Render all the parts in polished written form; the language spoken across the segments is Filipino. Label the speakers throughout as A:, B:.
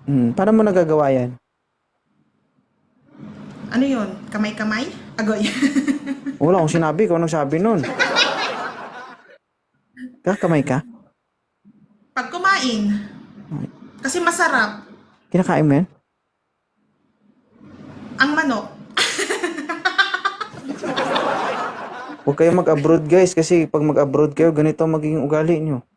A: Paano mo nagagawa yan?
B: Ano yun? Kamay-kamay? Agoy.
A: Wala akong sinabi. Ikaw nagsabi nun. Kakamay ka?
B: Pag kumain. Kasi masarap.
A: Kinakain mo yan?
B: Ang manok.
A: Huwag kayong mag-abroad guys kasi pag mag-abroad kayo, ganito ang magiging ugali nyo.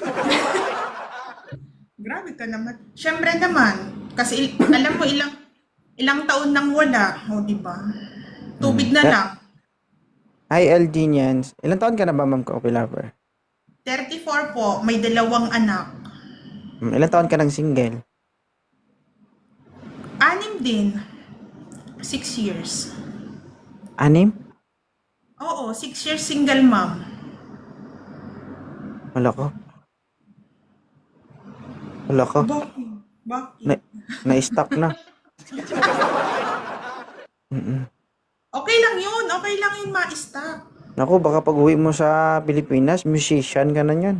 B: Grabe ka naman. Siyempre naman. Kasi alam mo ilang taon nang wala. O, diba? Tubig na lang.
A: Hi LG Nians. Ilang taon ka na ba, Ma'am Coffee Lover?
B: 34 po. May 2 anak.
A: Ilang taon ka ng single?
B: 6 din. 6 years.
A: 6?
B: Oo, 6 years single mom.
A: Wala ko. Wala ko.
B: Bakit? Bakit?
A: Na-stop na.
B: Okay lang yun. Okay lang yun ma-stop.
A: Naku, baka pag uwi mo sa Pilipinas, musician ka na yan.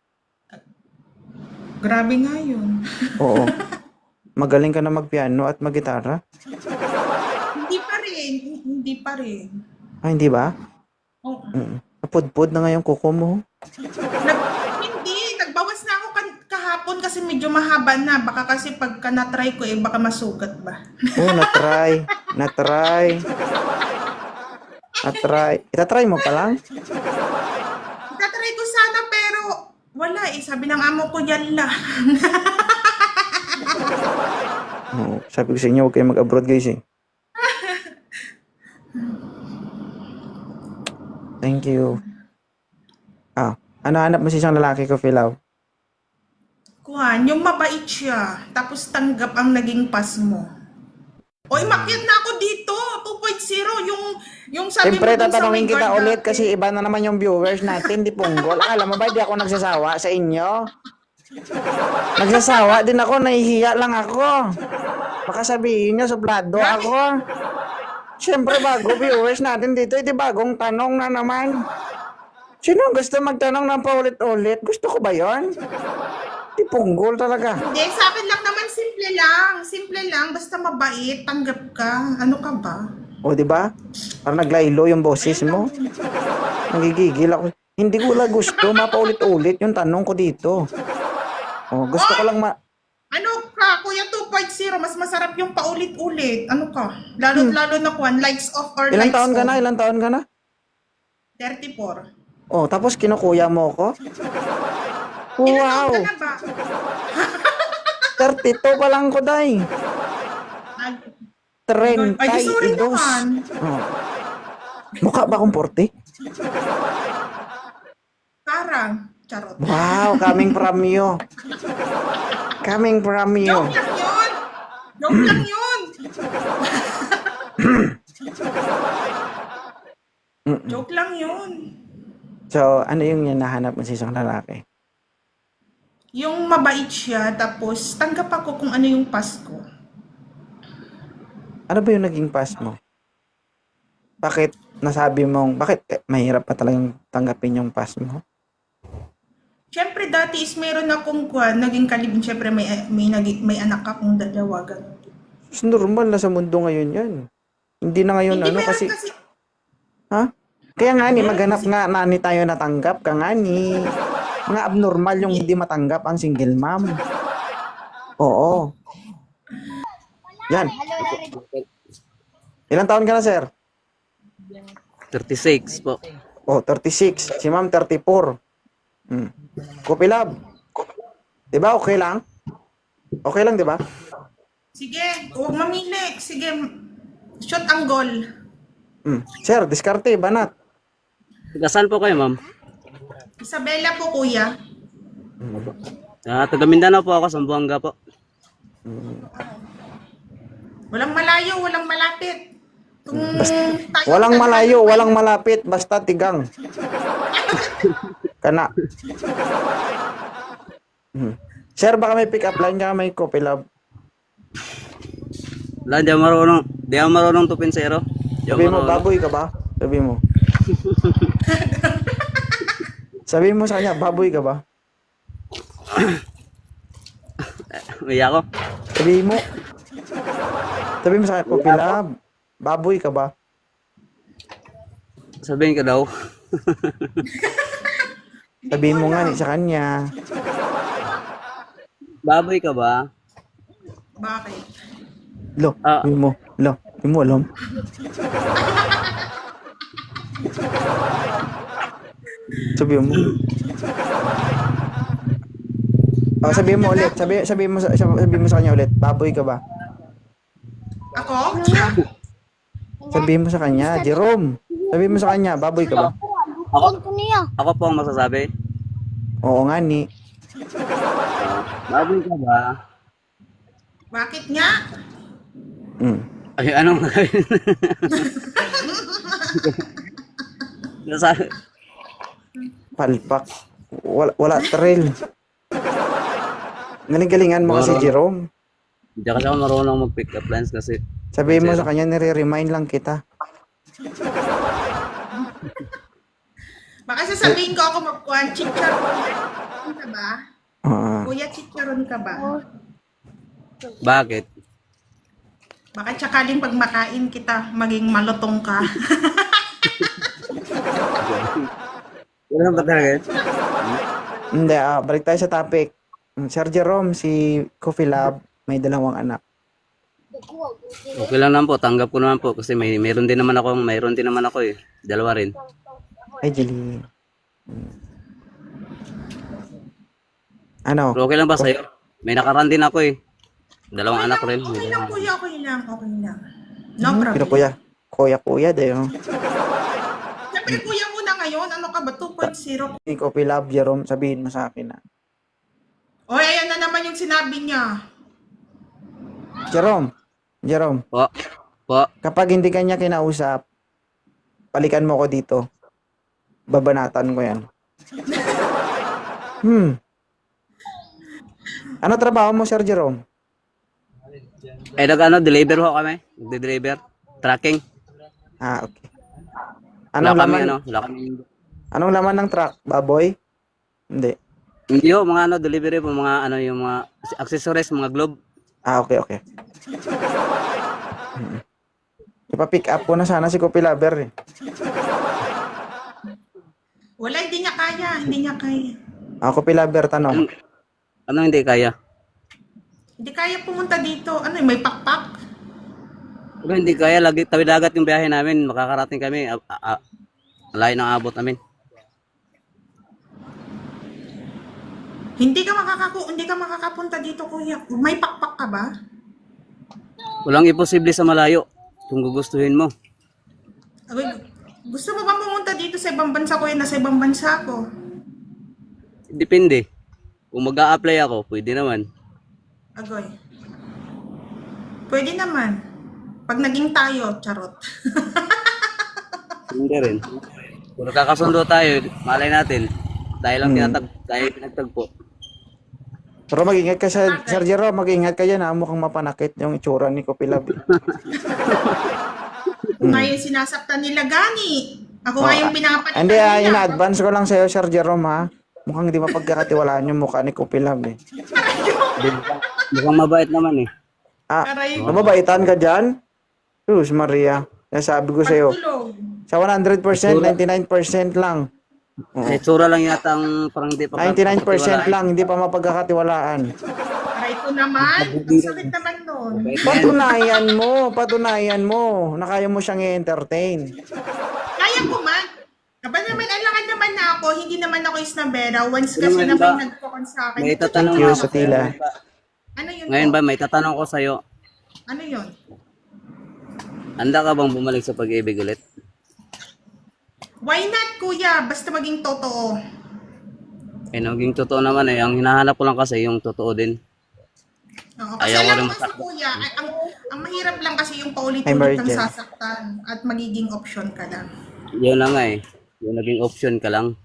B: Grabe nga yun.
A: Oo. Magaling ka na magpiano at maggitara.
B: Hindi pa rin. Hindi pa rin.
A: Hindi ba?
B: Oo.
A: Napudpud na nga yung kuko mo.
B: Hindi. Nagbawas na ako kahapon kasi medyo mahaba na. Baka kasi pagka na-try ko baka masugat ba?
A: Oo, na-try. Itatry mo pa lang?
B: Itatry ko sana pero wala Sabi ng amo ko yan lang.
A: Oo, sabi ko sa inyo, huwag kayo mag-abroad guys eh. Thank you. Ano hanap mo sa isang lalaki ko, Philaw?
B: Kuhan, yung mabait siya. Tapos tanggap ang naging pas mo. Oy, makyat na ako dito. 2.0. Yung sabi
A: Siyempre,
B: mo dun sa
A: tatanungin
B: may
A: kita
B: guard
A: ulit
B: dati.
A: kasi iba na naman yung viewers natin, di punggol. Alam mo ba, di ako nagsasawa sa inyo? Nagsasawa din ako, nahihiya lang ako. Baka sabihin nyo, suplado ako. Siyempre, bago viewers natin dito, di bagong tanong na naman. Sino gusto magtanong ng paulit-ulit? Gusto ko ba yon? Di punggol talaga.
B: Hindi, sa akin lang naman simple lang. Simple lang, basta mabait, tanggap ka. Ano ka ba?
A: O, di ba? Parang naglaylo yung boses mo. Nagigigil ako. Hindi ko lang gusto mapaulit-ulit yung tanong ko dito. O, gusto ko lang
B: Ano ka, Kuya 2.0, mas masarap yung paulit-ulit. Ano ka? Lalo na kuhan, lights off or
A: Ilang
B: lights
A: taon ka
B: on.
A: na? Ilang taon ka na?
B: 34.
A: Oh, tapos kinukuya mo ko?
B: Ilan
A: Wow!
B: taon ka na ba?
A: 32 pa lang ko, day.
B: Ay, sorry
A: 32.
B: naman.
A: Oh. Mukha ba akong 40?
B: Parang, charot.
A: Wow, coming from you. Coming from you.
B: Joke lang yun! Joke lang yun! Joke lang yun.
A: So, ano yung hinahanap mo sa isang lalaki?
B: Yung mabait siya, tapos tanggap ako kung ano yung Pasko.
A: Ano ba yung naging past mo? Bakit nasabi mong, bakit mahirap pa talagang tanggapin yung past mo?
B: Siyempre, dati is meron akong naging kalibin. Siyempre, may anak akong 2, ganun.
A: It's normal na sa mundo ngayon yan. Hindi na ngayon
B: Hindi meron
A: kasi,
B: kasi,
A: ha? Kaya nga ni, maghanap nga nani tayo natanggap ka nga ni. Mga abnormal yung hindi matanggap ang single mom. Oo. Yan. Ilang taon ka na, sir?
C: 36 po.
A: Oh, 36. Si ma'am, 34. Kopi lab. Diba, okay lang? Okay lang, diba?
B: sige, huwag mamili. Sige, shot ang goal.
A: Sir, diskarte, banat.
C: Taga-saan po kayo, ma'am?
B: Isabela po, kuya.
C: Taga Mindanao po ako, Zamboanga po.
B: Walang malayo, walang malapit.
A: Walang malayo, walang malapit, basta tigang. Kana. Sir, baka may pick up line ka, may kopi lab.
C: Wala, di ako marunong tupinsero.
A: Sabi mo, baboy ka ba? Sabi mo. Sabi mo sa kanya, baboy ka ba?
C: Uy ako.
A: Sabihin mo. Sabihin mo sa akin, Coffee Lab. Baboy ka ba?
C: Sabihin ka daw.
A: Sabihin mo nga sa kanya.
C: Baboy ka ba?
B: Bakit?
A: Lo,
C: Ah.
A: sabihin mo. Lo, sabihin mo alam. Sabihin mo. Sabihin mo ulit. Sabihin mo sa kanya ulit. Baboy ka ba?
B: Ako?
A: Sabihin mo sa kanya, Jerome. Sabihin mo sa kanya, baboy ka ba?
C: Ako po ang masasabi.
A: Oo nga ni.
C: Baboy ka ba?
B: Bakit nga?
A: Mm.
C: Ay, anong Nasabi.
A: Palpak. Wala thrill. Galing-galingan mo kasi, Jerome.
C: Hindi kasi ako marunong mag-pick up lines kasi.
A: Sabihin mo sa kanya, nire-remind lang kita.
B: Baka sasabihin ko ako magkuhan, chicharon ka ba? Kuya, chicharon ka ba?
C: Bakit?
B: Baka tsakaling pag makain kita, maging malutong ka.
C: Wala ba talaga yun?
A: Hindi, balik tayo sa topic. Sir Jerome, si Coffee Lab, may 2 anak.
C: Okay lang naman po, tanggap ko naman po kasi mayroon din naman ako eh. 2 rin.
A: Ay, Jeline. Ano?
C: Pero okay lang ba sa'yo? May nakaraan din ako eh. 2 anak rin.
B: Okay lang, kuya, okay lang. No problem.
A: Pero kuya, dayo.
B: Siyempre, kuya muna ngayon. Ano ka ba? 2.0.
A: Si Coffee Lab, Jerome, sabihin mo sa akin na.
B: O, ayan na naman yung sinabi niya.
A: Jerome,
C: Po.
A: kapag hindi kanya kinausap, balikan mo ko dito. Babanatan ko yan. Ano trabaho mo, Sir Jerome?
C: Eh, deliver ho kami. Nagde-deliver. Tracking.
A: Okay.
C: Wala kami.
A: Anong laman ng truck? Baboy? Hindi.
C: Hindi ho, mga delivery po, mga yung mga accessories, mga globe.
A: Okay. Ipa-pick up ko na sana si Coffee Lover eh.
B: Wala, hindi niya kaya.
A: Coffee Lover, tanong.
C: Ano hindi kaya?
B: Hindi kaya pumunta dito. Ano, may pakpak?
C: Pero hindi kaya, lagi tawid dagat yung biyahe namin, makakarating kami, layo ng abot namin.
B: Hindi ka makakapunta dito, kuya. May pakpak ka ba?
C: Walang imposible sa malayo, kung gugustuhin mo.
B: Agoy, gusto mo ba pumunta dito sa ibang bansa, kuya, na sa ibang bansa ko?
C: Depende. Kung mag-a-apply ako, pwede naman.
B: Agoy. Pwede naman. Pag naging tayo, charot.
C: Hindi rin. Kung nakakasundo tayo, malay natin. Tayo lang tayo pinagtagpo.
A: Pero mag-ingat ka sa Sir Jerome, mag-ingat ka yan ha. Mukhang mapanakit yung itsura ni Coffee Lover.
B: Ngayon sinasaktan nila Gani. Ako nga yung pinapalitan
A: Hindi,
B: nila.
A: in-advance ko lang sa'yo, Sir Jerome ha. Mukhang hindi mapagkakatiwalaan yung mukha ni Coffee Lover eh.
C: Mukhang mabait naman eh.
B: Aray.
A: Nababaitan ka dyan? Sus, Maria. Nasabi ko sa'yo.
B: Pagtulog.
A: Sa 100%, 99% lang.
C: Sa itsura lang yata ang parang hindi pa
A: 99% lang, hindi pa mapagkakatiwalaan.
B: Aray ko naman. Ang sakit naman nun.
A: Patunayan mo na kaya mo siyang i-entertain.
B: Kaya ko man. Aba naman, alangan naman na ako. Hindi naman ako isnabera. Once
C: Ano
B: kasi
C: man
B: na
C: ba?
B: may nagkakon sa akin.
C: May tatanong
A: Thank you,
C: ako
A: Sotila.
B: Ano yun
C: Ngayon
B: po?
C: ba, may tatanong ko sa'yo.
B: Ano yun?
C: Handa ka bang bumalik sa pag-ibig ulit?
B: Why not, kuya? Basta maging totoo.
C: Eh, naging totoo naman eh. Ang hinahanap ko lang kasi yung totoo din.
B: Oo, kasi
C: Ayaw ko
B: lang
C: rin
B: kasi,
C: masaktan.
B: kuya, ang mahirap lang kasi yung
A: Ay,
B: paulit-ulit
A: Mary
B: kang
A: Jane.
B: sasaktan at magiging option ka lang.
C: Yun na nga eh. Yung naging option ka lang.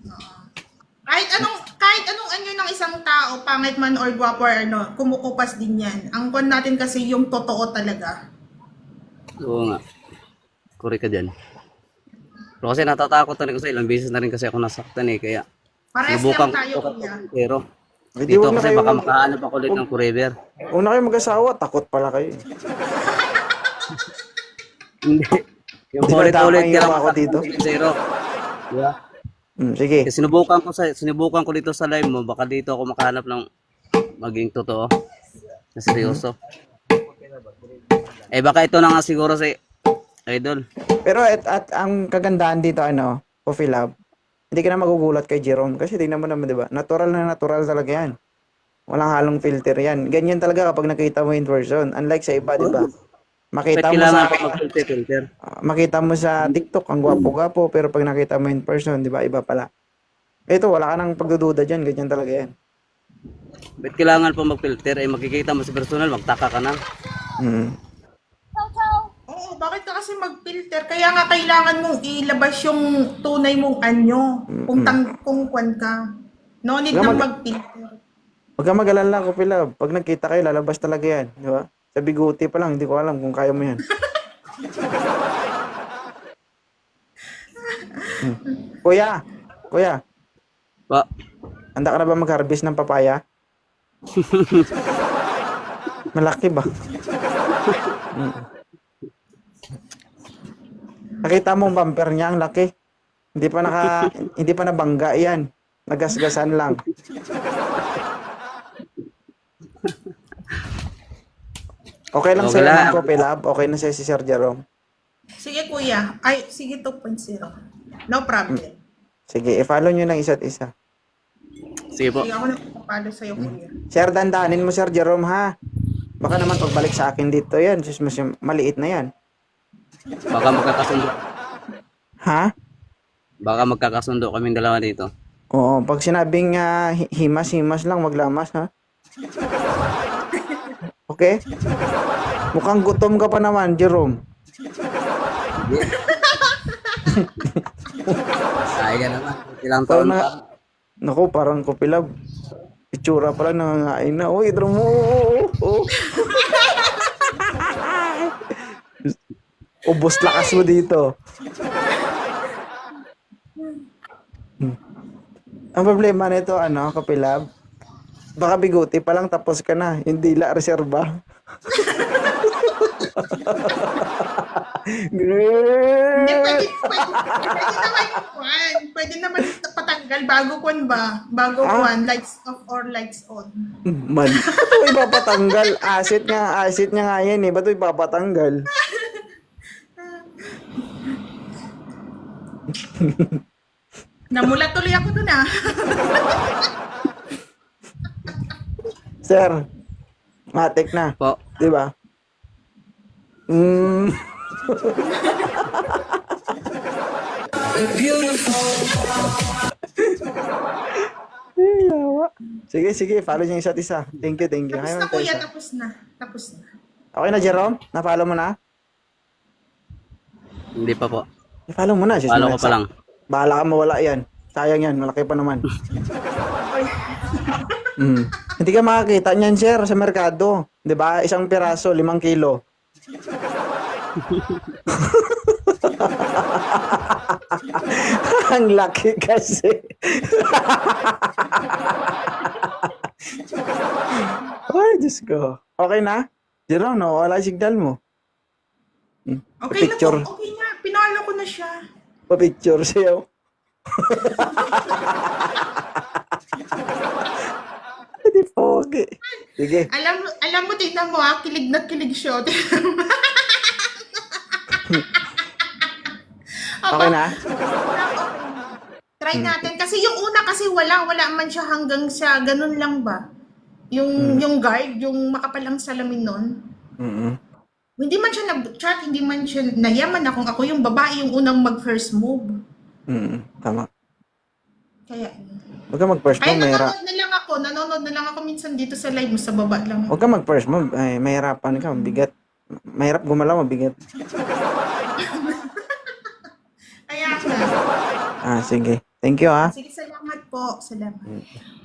B: Kahit anong anyo ng isang tao, pangit man or gwapo or ano, kumukupas din yan. Ang kon natin kasi yung totoo talaga.
C: Oo nga. Correct ka dyan. Pero kasi natatakot na rin kasi ilang beses na rin kasi ako nasaktan eh. Kaya
B: Parehas
C: subukan
B: lang tayo,
C: ko
B: kuya.
C: pero
A: Hindi,
C: Dito
A: huwag na
C: kasi
A: kayo
C: baka makahanap ako ulit ng forever.
A: Huwag na kayo mag-asawa, takot pala kayo.
C: Hindi. Yung
A: Di ba
C: ulit-ulit
A: damay
C: ka lang
A: ako dito?
C: zero. Diba?
A: Sige.
C: Kasi sinubukan ko dito sa live mo, baka dito ako makahanap ng maging totoo. Na seryoso. Eh baka ito na nga siguro si Idol.
A: Pero at ang kagandahan dito, Coffee Lab, hindi ka na magugulat kay Jerome kasi tingnan mo naman, di ba? Natural na natural talaga yan. Walang halong filter yan. Ganyan talaga kapag nakita mo in person. Unlike sa iba, di ba?
C: Bakit
A: Makita mo
C: kailangan
A: sa
C: ko mag-filter?
A: makita mo sa TikTok ang gwapo-gwapo pero pag nakita mo in person, di ba? Iba pala. Ito, wala ka nang pagdududa dyan. Ganyan talaga yan.
C: Bakit kailangan po mag-filter? Eh makikita mo sa personal, magtaka ka na.
A: Mm.
B: Oo, bakit ka kasi mag-filter? Kaya nga kailangan mong ilabas yung tunay mong anyo. Kung kwan ka. No need
A: Huwag
B: na
A: mag-
B: mag-filter.
A: Huwag kang mag-alala, Coffee Lab. Pag nagkita kayo, lalabas talaga yan. Di ba? Sa biguti pa lang, hindi ko alam kung kaya mo yan. Kuya,
C: Pa,
A: handa ka na ba mag-harvest ng papaya? Malaki ba? Mm. Nakita mo ang bumper niya, ang laki. Hindi pa nabangga yan. Nagasgasan lang. Okay lang
C: Okay
A: sa'yo
C: lang.
A: ng Coffee Lab? Okay na sa'yo si Sir Jerome?
B: Sige kuya. Ay, sige 2.0. No problem.
A: Sige, i-follow nyo ng isa't isa.
C: sige po.
B: Sige ako na papalo sa'yo kuya.
A: Sir, dandanin mo Sir Jerome ha. Baka naman pagbalik sa akin dito yan. Sus, maliit na yan.
C: Baka magkakasundo.
A: Ha?
C: Baka magkakasundo kaming dalawa dito.
A: Oo, pag sinabing himas-himas lang, maglamas ha. Okay? Mukhang gutom ka pa naman, Jerome.
C: Sayang naman. Ilang
A: Parang
C: taon pa.
A: Naku, parang Coffee Lab. Itsura pala nangangain na. Uy, Jerome. Oo. Ubos lakas mo dito. Ang problema nito, Coffee Lab, baka biguti pa lang tapos ka na. Hindi la reserba.
B: Hindi, pwede naman patanggal bago kwan ba? Bago kwan, lights off or lights on.
A: Man, ba't mo ipapatanggal? Asset niya nga yan eh. Ba't mo ipapatanggal?
B: Namulat tuloy ako dun ah.
A: Sir, matik na.
C: Po.
A: Di ba? Ay, yawa. Sige, follow niyo yung isa't isa. Thank you.
B: Tapos
A: Ayaw,
B: na kuya,
A: Tessa.
B: tapos na.
A: Okay na, Jerome? Na-follow mo na?
C: Hindi pa po.
A: I-follow mo na.
C: Follow ko pa lang.
A: Bahala ka mawala yan. Sayang yan, malaki pa naman. Hindi ka makakita niyan, sir, sa merkado. 'Di ba? Isang piraso, 5 kilo. Ang laki kasi. Ay, Diyos ko. Okay na? Jerome, no? Wala signal mo.
B: Okay na
A: Picture.
B: po, okay na. Pinalo ko na siya.
A: Pa-picture siya. Hindi po, okay. Sige.
B: Alam mo, tignan mo ah, kilig na kilig siya.
A: Okay na?
B: Try natin. Kasi yung una kasi wala man siya hanggang sa ganun lang ba? Yung guard, yung makapalang salamin nun. Hindi man siya nag-chat, hindi man siya nayaman na kung ako yung babae yung unang mag-first move.
A: Tama.
B: Kaya,
A: Huwag ka mag-first
B: ay,
A: move, mahirap.
B: nanonood na lang ako minsan dito sa live mo, sa baba lang.
A: Huwag ka mag-first move, ay, mahirapan ka, mabigat. Mahirap gumalaw, mabigat.
B: Kaya na.
A: Sige. Thank you, ha.
B: Sige, salamat po. Salamat.